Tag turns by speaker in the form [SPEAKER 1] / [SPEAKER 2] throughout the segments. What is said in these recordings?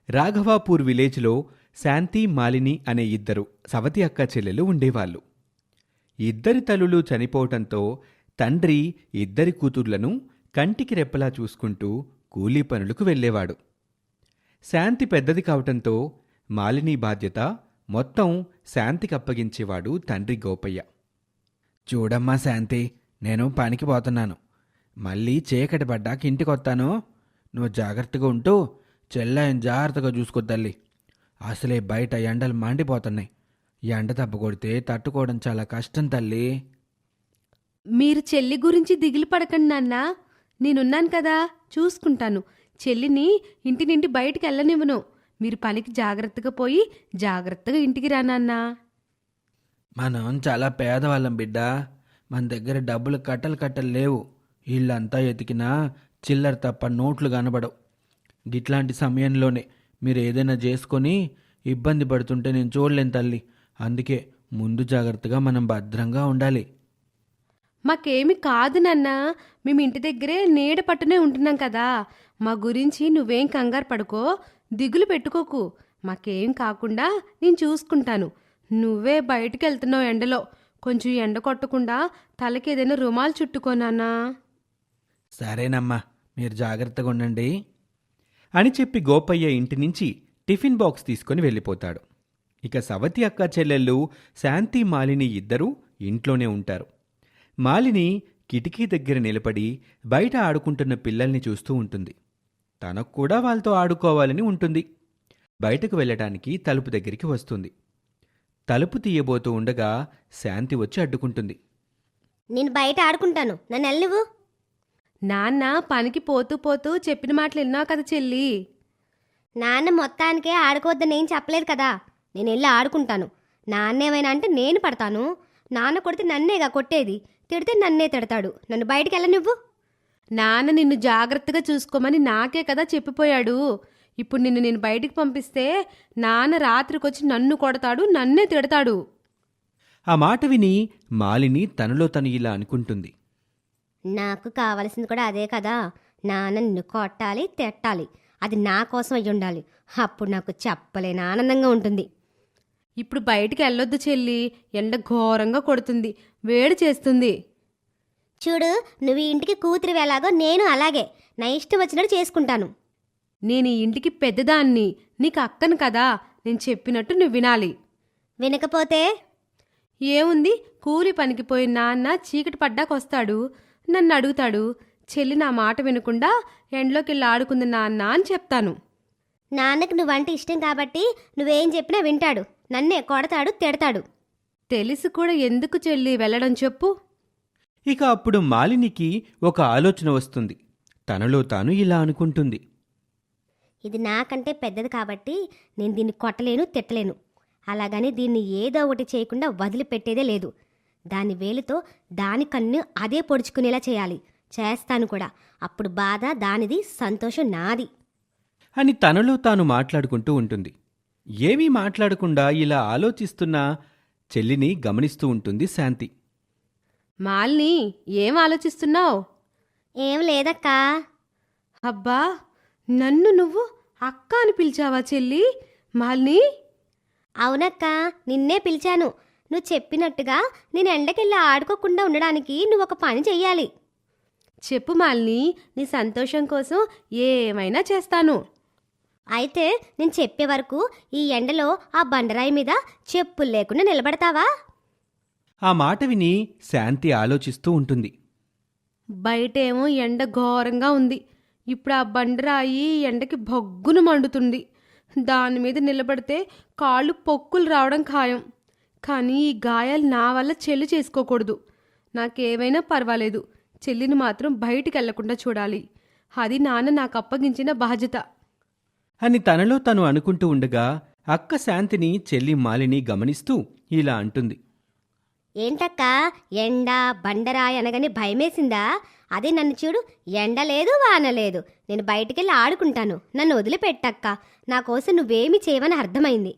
[SPEAKER 1] రాఘవాపూర్ విలేజ్లో శాంతి, మాలిని అనే ఇద్దరు సవతి అక్క చెల్లెలు ఉండేవాళ్ళు. ఇద్దరి తల్లులు చనిపోవటంతో తండ్రి ఇద్దరి కూతుర్లను కంటికి రెప్పలా చూసుకుంటూ కూలీ పనులకు వెళ్ళేవాడు. శాంతి పెద్దది కావటంతో మాలిని బాధ్యత మొత్తం శాంతికి అప్పగించేవాడు తండ్రి గోపయ్య. చూడమ్మా శాంతి, నేను పనికి పోతున్నాను. మళ్ళీ చీకటి పడ్డాక ఇంటికొస్తాను. నువ్వు జాగ్రత్తగా ఉంటూ చెల్లాయని జాగ్రత్తగా చూసుకో తల్లి. అసలే బయట ఎండలు మండిపోతున్నాయి. ఎండ దెబ్బ కొడితే తట్టుకోవడం చాలా కష్టం తల్లి.
[SPEAKER 2] మీరు చెల్లి గురించి దిగులు పడకండి నాన్నా, నేనున్నాను కదా, చూసుకుంటాను. చెల్లిని ఇంటి నుండి బయటికి వెళ్ళనివ్వను. మీరు పనికి జాగ్రత్తగా పోయి జాగ్రత్తగా ఇంటికి రా నాన్నా.
[SPEAKER 1] మనం చాలా పేదవాళ్ళం బిడ్డ. మన దగ్గర డబ్బులు కట్టలు లేవు. ఇల్లంతా ఎతికినా చిల్లర తప్ప నోట్లు కనబడవు. గిట్లాంటి సమయంలోనే మీరు ఏదైనా చేసుకొని ఇబ్బంది పడుతుంటే నేను చూడలేను తల్లి. అందుకే ముందు జాగ్రత్తగా మనం భద్రంగా ఉండాలి.
[SPEAKER 2] మాకేమి కాదు నాన్నా, మేము ఇంటి దగ్గరే నీడ పట్టునే ఉంటున్నాం కదా. మా గురించి నువ్వేం కంగారు పడుకో, దిగులు పెట్టుకోకు. మాకేం కాకుండా నేను చూసుకుంటాను. నువ్వే బయటికి వెళ్తున్నావు ఎండలో. కొంచెం ఎండ కొట్టకుండా తలకి ఏదైనా రుమాలు చుట్టుకోనానా.
[SPEAKER 1] సరేనమ్మా, మీరు జాగ్రత్తగా ఉండండి అని చెప్పి గోపయ్య ఇంటి నుంచి టిఫిన్ బాక్స్ తీసుకుని వెళ్ళిపోతాడు. ఇక సవతి అక్క చెల్లెళ్ళు శాంతి, మాలిని ఇద్దరూ ఇంట్లోనే ఉంటారు. మాలిని కిటికీ దగ్గర నిలబడి బయట ఆడుకుంటున్న పిల్లల్ని చూస్తూ ఉంటుంది. తనకు కూడా వాళ్ళతో ఆడుకోవాలని ఉంటుంది. బయటకు వెళ్ళటానికి తలుపు దగ్గరికి వస్తుంది. తలుపు తీయబోతూ ఉండగా శాంతి వచ్చి అడ్డుకుంటుంది.
[SPEAKER 3] నేను బయట ఆడుకుంటాను, నన్ను వెళ్ళివు.
[SPEAKER 2] నాన్న పనికి పోతూ పోతూ చెప్పిన మాటలు విన్నావు కదా చెల్లి.
[SPEAKER 3] నాన్న మొత్తానికే ఆడుకోవద్దని ఏం చెప్పలేదు కదా. నేను వెళ్ళి ఆడుకుంటాను. నాన్న ఏమైనా అంటే నేను పడతాను. నాన్న కొడితే నన్నేగా కొట్టేది, తిడితే నన్నే తిడతాడు. నన్ను బయటికి వెళ్ళనివ్వు.
[SPEAKER 2] నాన్న నిన్ను జాగ్రత్తగా చూసుకోమని నాకే కదా చెప్పిపోయాడు. ఇప్పుడు నేను బయటికి పంపిస్తే నాన్న రాత్రికొచ్చి నన్ను కొడతాడు, నన్నే తిడతాడు.
[SPEAKER 1] ఆ మాట విని మాలిని తనలో తను ఇలా అనుకుంటుంది.
[SPEAKER 3] నాకు కావలసింది కూడా అదే కదా. నాన్న నిన్ను కొట్టాలి, తిట్టాలి. అది నా కోసం అయ్యి ఉండాలి. అప్పుడు నాకు చెప్పలేని ఆనందంగా ఉంటుంది.
[SPEAKER 2] ఇప్పుడు బయటికి వెళ్ళొద్దు చెల్లి, ఎండ ఘోరంగా కొడుతుంది, వేడి చేస్తుంది.
[SPEAKER 3] చూడు, నువ్వు ఈ ఇంటికి కూతురు ఎలాగో నేను అలాగే నా ఇష్టం వచ్చినట్టు చేసుకుంటాను.
[SPEAKER 2] నేను ఈ ఇంటికి పెద్దదాన్ని, నీకు అక్కను కదా. నేను చెప్పినట్టు నువ్వు వినాలి.
[SPEAKER 3] వినకపోతే
[SPEAKER 2] ఏముంది, కూలి పనికి పోయిన నాన్న చీకటి పడ్డాకొస్తాడు, నన్ను అడుగుతాడు. చెల్లి నా మాట వినకుండా ఎండ్లోకి వెళ్ళి ఆడుకుంది నాన్న అని చెప్తాను.
[SPEAKER 3] నాన్నకు నువ్వంటే ఇష్టం కాబట్టి నువ్వేం చెప్పినా వింటాడు. నన్నే కొడతాడు, తిడతాడు.
[SPEAKER 2] తెలిసి కూడా ఎందుకు చెల్లి వెళ్ళడం చెప్పు.
[SPEAKER 1] ఇక అప్పుడు మాలినికి ఒక ఆలోచన వస్తుంది. తనలో తాను ఇలా అనుకుంటుంది.
[SPEAKER 3] ఇది నాకంటే పెద్దది కాబట్టి నేను దీన్ని కొట్టలేను, తిట్టలేను. అలాగని దీన్ని ఏదో ఒకటి చేయకుండా వదిలిపెట్టేదే లేదు. దాని వేలుతో దాని కన్ను అదే పొడుచుకునేలా చేయాలి. చేస్తాను కూడా. అప్పుడు బాధ దానిది, సంతోషం నాది
[SPEAKER 1] అని తనలో తాను మాట్లాడుకుంటూ ఉంటుంది. ఏమీ మాట్లాడకుండా ఇలా ఆలోచిస్తున్న చెల్లిని గమనిస్తూ ఉంటుంది శాంతి.
[SPEAKER 2] మాలిని, ఏం ఆలోచిస్తున్నావు?
[SPEAKER 3] ఏం లేదక్కా.
[SPEAKER 2] అబ్బా, నన్ను నువ్వు అక్క అని పిలిచావా చెల్లి? మాలిని,
[SPEAKER 3] అవునక్కా, నిన్నే పిలిచాను. నువ్వు చెప్పినట్టుగా నేను ఎండకెళ్ళి ఆడుకోకుండా ఉండడానికి నువ్వు ఒక పని చెయ్యాలి.
[SPEAKER 2] చెప్పు మాలిని, నీ సంతోషం కోసం ఏమైనా చేస్తాను.
[SPEAKER 3] అయితే నేను చెప్పే వరకు ఈ ఎండలో ఆ బండరాయి మీద చెప్పులు లేకుండా నిలబడతావా?
[SPEAKER 1] ఆ మాట విని శాంతి ఆలోచిస్తూ ఉంటుంది.
[SPEAKER 2] బయటేమో ఎండ ఘోరంగా ఉంది. ఇప్పుడు ఆ బండరాయి ఎండకి భగ్గును మండుతుంది. దాని మీద నిలబడితే కాళ్ళు పొక్కులు రావడం ఖాయం. కానీ ఈ గాయాలు నా వల్ల చెల్లి చేసుకోకూడదు. నాకేమైనా పర్వాలేదు, చెల్లిని మాత్రం బయటికి వెళ్లకుండా చూడాలి. అది నాన్న నాకు అప్పగించిన బాధ్యత
[SPEAKER 1] అని తనలో తను అనుకుంటూ ఉండగా అక్క శాంతిని చెల్లి మాలిని గమనిస్తూ ఇలా అంటుంది.
[SPEAKER 3] ఏంటక్కా, ఎండ బండరాయి అనగానే భయమేసిందా? అదే నన్ను చూడు, ఎండ లేదు, వాన లేదు. నేను బయటికెళ్ళి ఆడుకుంటాను. నన్ను వదిలిపెట్టక్క. నా కోసం నువ్వేమీ చేయవని అర్థమైంది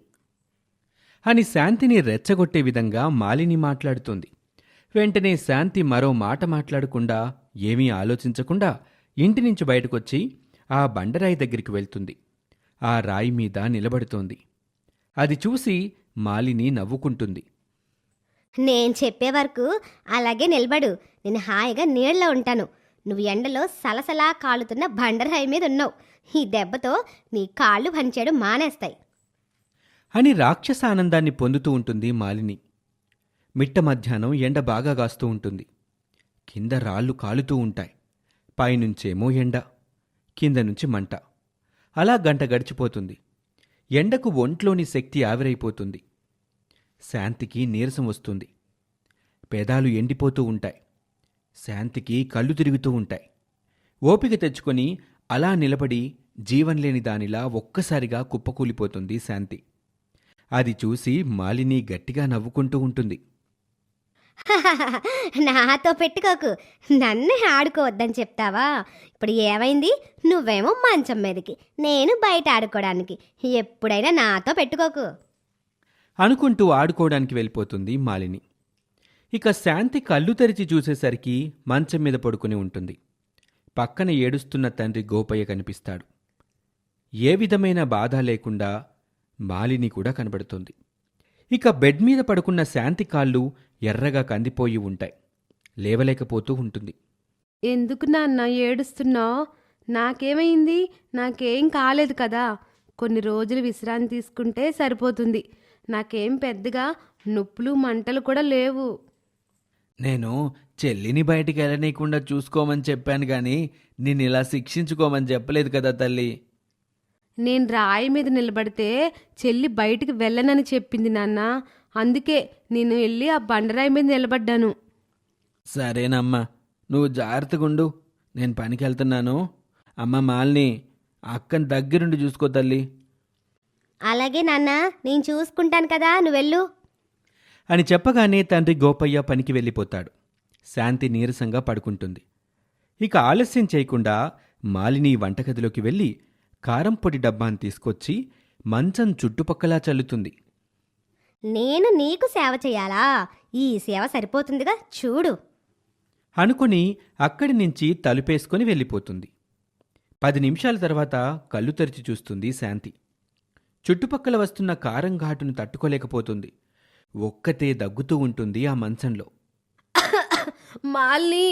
[SPEAKER 1] అని శాంతిని రెచ్చగొట్టే విధంగా మాలిని మాట్లాడుతోంది. వెంటనే శాంతి మరో మాట మాట్లాడకుండా, ఏమీ ఆలోచించకుండా ఇంటి నుంచి బయటకొచ్చి ఆ బండరాయి దగ్గరికి వెళ్తుంది. ఆ రాయి మీద నిలబడుతోంది. అది చూసి మాలిని నవ్వుకుంటుంది.
[SPEAKER 3] నేను చెప్పే వరకు అలాగే నిలబడు. నేను హాయిగా నీళ్ళలో ఉంటాను. నువ్వు ఎండలో సలసలా కాలుతున్న బండరాయి మీద ఉన్నావు. ఈ దెబ్బతో నీ కాళ్ళు పనిచేయడం మానేస్తాయి.
[SPEAKER 1] అని రాక్షస ఆనందాన్ని పొందుతూ ఉంటుంది మాలిని. మిట్ట మధ్యాహ్నం ఎండ బాగా గాస్తూ ఉంటుంది. కింద రాళ్ళు కాలుతూ ఉంటాయి. పైనుంచేమో ఎండ, కింద నుంచి మంట. అలా గంట గడిచిపోతుంది. ఎండకు ఒంట్లోని శక్తి ఆవిరైపోతుంది. శాంతికి నీరసం వస్తుంది. పెదాలు ఎండిపోతూ ఉంటాయి. శాంతికి కళ్ళు తిరుగుతూ ఉంటాయి. ఓపిక తెచ్చుకొని అలా నిలబడి జీవంలేని దానిలా ఒక్కసారిగా కుప్పకూలిపోతుంది శాంతి. అది చూసి మాలిని గట్టిగా నవ్వుకుంటూ ఉంటుంది.
[SPEAKER 3] నాతో పెట్టుకోకు, నన్నే ఆడుకోవద్దని చెప్తావా? ఇప్పుడు ఏమైంది? నువ్వేమో మంచం మీదకి, నేను బయట ఆడుకోవడానికి. ఎప్పుడైనా నాతో పెట్టుకోకు.
[SPEAKER 1] అనుకుంటూ ఆడుకోవడానికి వెళ్ళిపోతుంది మాలిని. ఇక శాంతి కళ్ళు తెరిచి చూసేసరికి మంచం మీద పడుకుని ఉంటుంది. పక్కన ఏడుస్తున్న తండ్రి గోపయ్య కనిపిస్తాడు. ఏ విధమైన బాధ లేకుండా మాలిని కూడా కనబడుతుంది. ఇక బెడ్ మీద పడుకున్న శాంతి కాళ్ళు ఎర్రగా కందిపోయి ఉంటాయి. లేవలేకపోతూ ఉంటుంది.
[SPEAKER 2] ఎందుకు నాన్న ఏడుస్తున్నావు? నాకేమైంది? నాకేం కాలేదు కదా. కొన్ని రోజులు విశ్రాంతి తీసుకుంటే సరిపోతుంది. నాకేం పెద్దగా నొప్పులు మంటలు కూడా లేవు.
[SPEAKER 1] నేను చెల్లిని బయటికి వెళ్ళనీయకుండా చూసుకోమని చెప్పాను గాని నిన్ను ఇలా శిక్షించుకోమని చెప్పలేదు కదా తల్లి.
[SPEAKER 2] నేను రాయి మీద నిలబడితే చెల్లి బయటికి వెళ్ళనని చెప్పింది నాన్న. అందుకే నేను వెళ్ళి ఆ బండరాయి మీద నిలబడ్డాను.
[SPEAKER 1] సరేనమ్మా, నువ్వు జాగ్రత్తగుండు. నేను పనికి వెళ్తున్నాను. అమ్మ మాలిని, అక్కని దగ్గరుండి చూసుకో తల్లి
[SPEAKER 3] అలాగే నాన్న, నేను చూసుకుంటాను కదా, నువ్వెళ్ళు.
[SPEAKER 1] అని చెప్పగానే తండ్రి గోపయ్య పనికి వెళ్ళిపోతాడు. శాంతి నీరసంగా పడుకుంటుంది. ఇక ఆలస్యం చేయకుండా మాలిని వంటగదిలోకి వెళ్ళి కారంపొడి డబ్బాను తీసుకొచ్చి మంచం చుట్టుపక్కలా చల్లుతుంది.
[SPEAKER 3] నేను నీకు సేవ చేయాలా? ఈ సేవ సరిపోతుందిగా, చూడు.
[SPEAKER 1] అనుకుని అక్కడి నుంచి తలుపేసుకొని వెళ్ళిపోతుంది. 10 నిమిషాల తర్వాత కళ్ళు తెరిచి చూస్తుంది శాంతి. చుట్టుపక్కల వస్తున్న కారం ఘాటును తట్టుకోలేకపోతుంది. ఒక్కతే దగ్గుతూ ఉంటుంది ఆ మంచంలో.
[SPEAKER 2] మాలిని,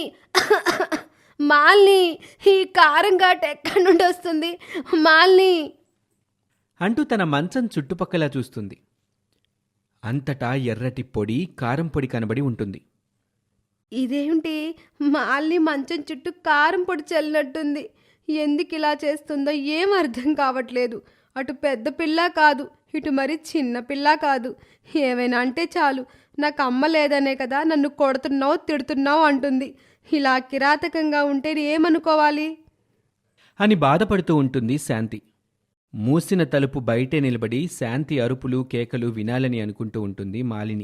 [SPEAKER 2] మాలిని, ఈ కారం ఘాటు ఎక్కడి నుండి వస్తుంది? మాలిని
[SPEAKER 1] అంటూ తన మంచం చుట్టుపక్కలా చూస్తుంది. అంతటా ఎర్రటి పొడి, కారం పొడి కనబడి ఉంటుంది.
[SPEAKER 2] ఇదేమిటి? మాలిని మంచం చుట్టూ కారం పొడి చల్లినట్టుంది. ఎందుకు ఇలా చేస్తుందో ఏం అర్థం కావట్లేదు. అటు పెద్ద పిల్ల కాదు, ఇటు మరి చిన్న పిల్ల కాదు. ఏమైనా అంటే చాలు, నాకు అమ్మ లేదనే కదా నన్ను కొడుతున్నావు తిడుతున్నావు అంటుంది. ఇలా కిరాతకంగా ఉంటే ఏమనుకోవాలి
[SPEAKER 1] అని బాధపడుతూ ఉంటుంది శాంతి. మూసిన తలుపు బయటే నిలబడి శాంతి అరుపులు కేకలు వినాలని అనుకుంటూ ఉంటుంది మాలిని.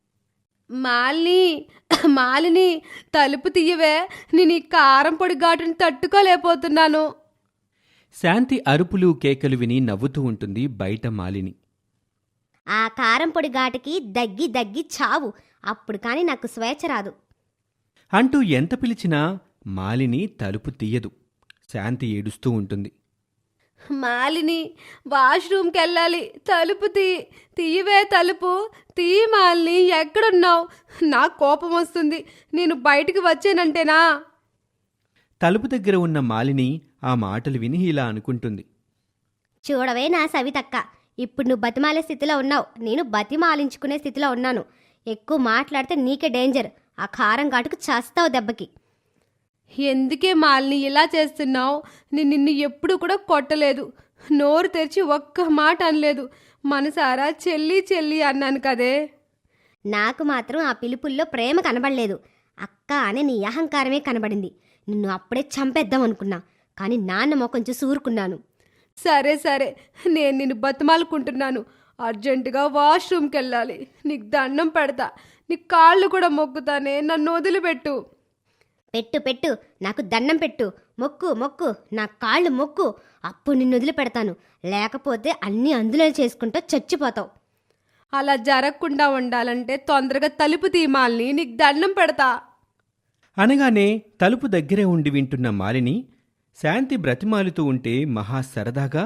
[SPEAKER 2] మాలిని, మాలిని, తలుపు తీయవే, నేను ఈ కారం పొడి ఘాటుని తట్టుకోలేకపోతున్నాను.
[SPEAKER 1] శాంతి అరుపులు కేకలు విని నవ్వుతూ ఉంటుంది బయట మాలిని.
[SPEAKER 3] ఆ కారం పొడి ఘాటుకి దగ్గి దగ్గి చావు, అప్పుడు కానీ నాకు స్వేచ్ఛ రాదు.
[SPEAKER 1] అంటూ ఎంత పిలిచినా మాలిని తలుపు తీయదు. శాంతి ఏడుస్తూ ఉంటుంది.
[SPEAKER 2] మాలిని, వాష్రూమ్కి వెళ్ళాలి, తలుపు తీయవే, తలుపు తీ. మాలిని, ఎక్కడున్నావు? నాకు కోపం వస్తుంది. నేను బయటికి వచ్చానంటేనా?
[SPEAKER 1] తలుపు దగ్గర ఉన్న మాలిని ఆ మాటలు విని ఇలా అనుకుంటుంది.
[SPEAKER 3] చూడవే నా సవితక్క, ఇప్పుడు నువ్వు బతిమాలే స్థితిలో ఉన్నావు, నేను బతిమాలించుకునే స్థితిలో ఉన్నాను. ఎక్కువ మాట్లాడితే నీకే డేంజర్. ఆ కారం ఘాటుకు చేస్తావు దెబ్బకి.
[SPEAKER 2] ఎందుకే మాలిని ఇలా చేస్తున్నావు? నేను నిన్ను ఎప్పుడు కూడా కొట్టలేదు, నోరు తెరిచి ఒక్క మాట అనలేదు. మనసారా చెల్లి చెల్లి అన్నాను కదే.
[SPEAKER 3] నాకు మాత్రం ఆ పిలుపుల్లో ప్రేమ కనబడలేదు, అక్క అనే నీ అహంకారమే కనబడింది. నిన్ను అప్పుడే చంపేద్దాం అనుకున్నా, కానీ నాన్న మొఖం చూసి ఊరుకున్నాను.
[SPEAKER 2] సరే సరే, నేను నిన్ను బతిమాలుకుంటున్నాను. అర్జెంటుగా వాష్రూమ్కి వెళ్ళాలి. నీకు దండం పెడతా, నీ కాళ్ళు కూడా మొక్కుతానే, నన్ను వదిలిపెట్టు.
[SPEAKER 3] పెట్టు పెట్టు, నాకు దండం పెట్టు, మొక్కు మొక్కు, నా కాళ్ళు మొక్కు, అప్పుడు నిన్ను వదిలిపెడతాను. లేకపోతే అన్నీ అందులో చేసుకుంటూ చచ్చిపోతావు.
[SPEAKER 2] అలా జరగకుండా ఉండాలంటే తొందరగా తలుపు తీమాలని, నీకు దండం పెడతా.
[SPEAKER 1] అనగానే తలుపు దగ్గరే ఉండి వింటున్న మాలిని శాంతి బ్రతిమాలుతూ ఉంటే మహా సరదాగా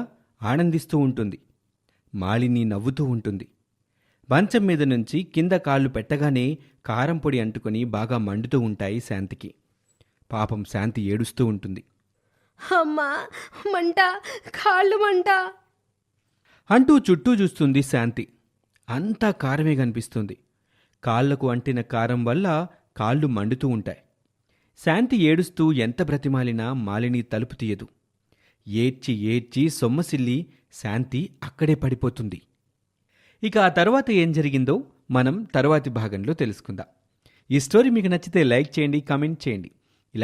[SPEAKER 1] ఆనందిస్తూ ఉంటుంది. మాలిని నవ్వుతూ ఉంటుంది. మంచం మీద నుంచి కింద కాళ్ళు పెట్టగానే కారం పొడి అంటుకొని బాగా మండుతూ ఉంటాయి శాంతికి. పాపం శాంతి ఏడుస్తూ ఉంటుంది.
[SPEAKER 2] అమ్మా, మంట, కాళ్ళు మంట.
[SPEAKER 1] అంటూ చుట్టూ చూస్తుంది శాంతి. అంతా కారమే కనిపిస్తుంది. కాళ్లకు అంటిన కారం వల్ల కాళ్ళు మండుతూ ఉంటాయి. శాంతి ఏడుస్తూ ఎంత బ్రతిమాలినా మాలిని తలుపు తీయదు. ఏడ్చి ఏడ్చి సొమ్మసిల్లి శాంతి అక్కడే పడిపోతుంది. ఇక ఆ తర్వాత ఏం జరిగిందో మనం తరువాతి భాగంలో తెలుసుకుందాం. ఈ స్టోరీ మీకు నచ్చితే లైక్ చేయండి, కామెంట్ చేయండి.